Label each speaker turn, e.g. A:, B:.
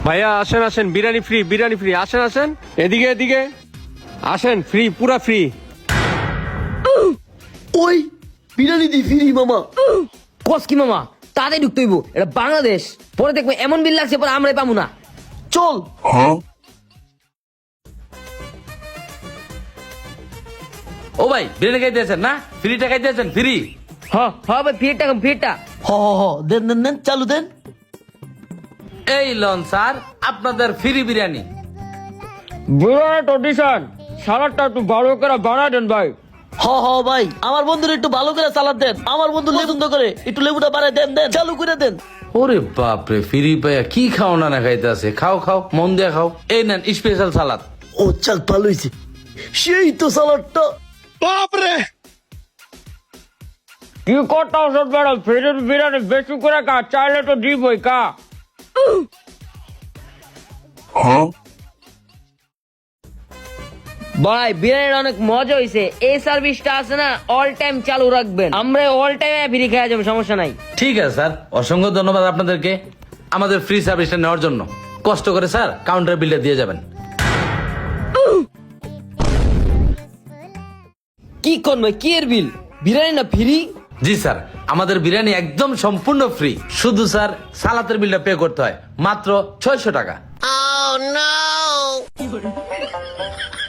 A: ভাইয়া আসেন আসেন, বিরিয়ানি ফ্রি, বিরিয়ানি ফ্রি, আসেন আসেন, এদিকে এদিকে আসেন, ফ্রি, পুরা ফ্রি।
B: ওই বিরিয়ানি দি ফিরি মামা।
C: কস কি মামা, তাড়াতাড়ি ঢুকতে হইব, এটা বাংলাদেশ। পরে দেখবো এমন বিল লাগছে, পরে আমরাই পাবো না।
B: চল।
D: ও ভাই, বিরিয়ানি খাইতেছেন না? ফ্রিটা খাইতেছেন? ফ্রি।
C: হ্যাঁ ভাই, ফিরটা কম, ফিরটা।
B: হ হ হ, দেন দেন দেন, চালু দেন।
D: এই লন স্যার, আপনাদের ফ্রি বিরিয়ানি।
A: বিরিয়ানি ট্রেডিশন, সালাদটা একটু ভালো করে বানায় দেন ভাই।
B: হ হ ভাই, আমার বন্ধুর একটু ভালো করে সালাদ দেন, আমার বন্ধু পছন্দ করে, একটু লেবুটা বাড়ায় দেন, দেন চালু করে দেন।
D: ওরে বাপরে, ফ্রি পাইয়া কি খাও না খাইতে আছে? খাও খাও, মন দিয়ে খাও। এই নেন স্পেশাল সালাদ।
B: ও চাল, ভালো হয়েছে, সেই তো সালাদটা।
A: কি করতে ওষুধ ম্যাডাম, ফ্রিজের বিরিয়ানি বেশি করে খা, চাইলে তো দিবই, কা।
C: ভাই বিরিয়ানির অনেক মজা হয়েছে, এই সার্ভিসটা আছে না অল টাইম চালু রাখবেন, আমরা অল টাইম ফ্রি খাওয়া যাবো, সমস্যা নাই।
D: ঠিক আছে স্যার, অসংখ্য ধন্যবাদ আপনাদেরকে আমাদের ফ্রি সার্ভিসটা নেওয়ার জন্য। কষ্ট করে স্যার কাউন্টার বিলটা দিয়ে যাবেন।
C: কি করবে, কি এর বিল? বিরিয়ানি না ফ্রি?
D: জি স্যার, আমাদের বিরিয়ানি একদম সম্পূর্ণ ফ্রি। শুধু স্যার সালাতের বিলটা পে করতে হয়, মাত্র 600 টাকা।